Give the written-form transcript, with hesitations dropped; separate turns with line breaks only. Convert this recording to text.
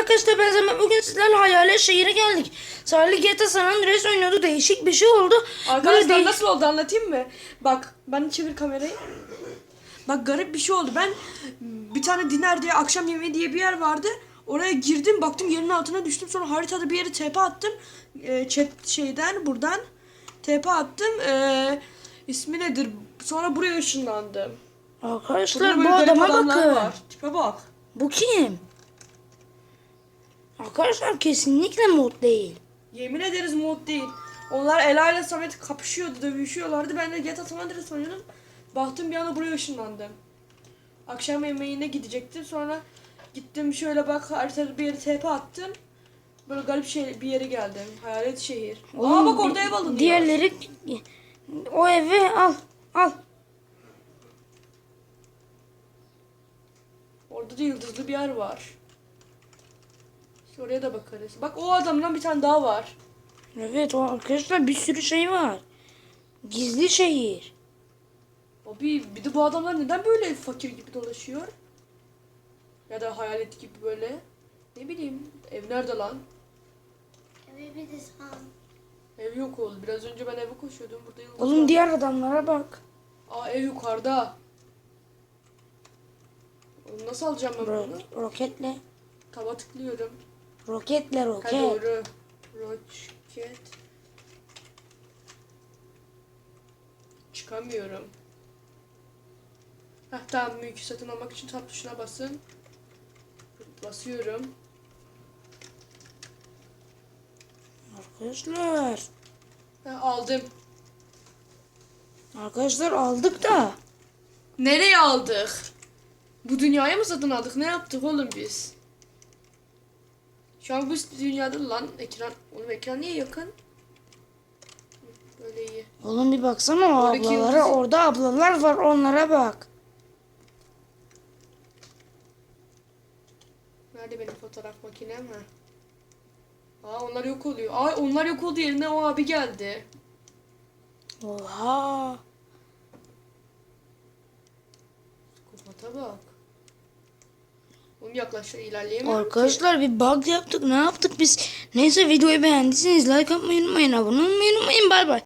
arkadaşlar, ben Zaman bugün sizlerle Hayalet Şehir'e geldik. Salih GTA San Andreas oynuyordu, değişik bir şey oldu.
Arkadaşlar nasıl oldu anlatayım mı? Bak ben çevir kamerayı. Bak garip bir şey oldu. Ben bir tane diner diye akşam yemeği diye bir yer vardı. Oraya girdim baktım yerin altına düştüm. Sonra haritada bir yere TP attım. Buradan TP attım. İsmi nedir? Sonra buraya ışınlandım.
Arkadaşlar
Burada
bu
böyle garip
adama
adamlar
bakın.
var. Tipe bak.
Bu kim? Arkadaşlar kesinlikle mod değil.
Yemin ederiz mod değil. Onlar Ela ile Samet kapışıyordu, dövüşüyorlardı. Ben de GTA San Andreas oynuyordum. Baktım bir anda buraya ışınlandım. Akşam yemeğine gidecektim. Sonra gittim şöyle bak haritada bir yere TP attım. Böyle garip bir yere geldim. Hayalet şehir. Aa bak orada ev alınıyor.
Diğerleri o evi al.
Orada da yıldızlı bir yer var. İşte oraya da bakarız. Bak o adamdan bir tane daha var.
Evet, o arkadaşlar bir sürü şey var. Gizli şehir.
Abi bir de bu adamlar neden böyle fakir gibi dolaşıyor? Ya da hayalet gibi böyle. Ne bileyim. Ev nerede lan?
Evi bir de san.
Ev yok oldu. Biraz önce ben eve koşuyordum. Burada yıldız
Oğlum
var.
diğer adamlara bak.
Aa ev yukarıda. Oğlum nasıl alacağım ben bunu?
Roketle.
Taba tıklıyorum.
Roketle
Ha
roket.
doğru. Roket. Çıkamıyorum. Heh tamam, mülkü satın almak için tab tuşuna basın. Basıyorum.
Arkadaşlar.
Aldım.
Arkadaşlar aldık da.
Nereye aldık? Bu dünyayı mı satın aldık? Ne yaptık oğlum biz? Şu an bu dünyada lan ekran. Oğlum ekran niye yakın? Böyle iyi.
Oğlum bir baksana o
Oradaki
ablalara.
yıldız-
Orada ablalar var, onlara bak.
Nerede benim fotoğraf makinem ha? Aa onlar yok oluyor. Ay onlar yok oldu, yerine o abi geldi.
Oha.
Psikopata bak. Oğlum yaklaş, ilerleyemiyorum ki.
Arkadaşlar bir bug yaptık. Ne yaptık biz? Neyse, videoyu beğendiyseniz like atmayı unutmayın. Abone olmayı unutmayın. Bay bay.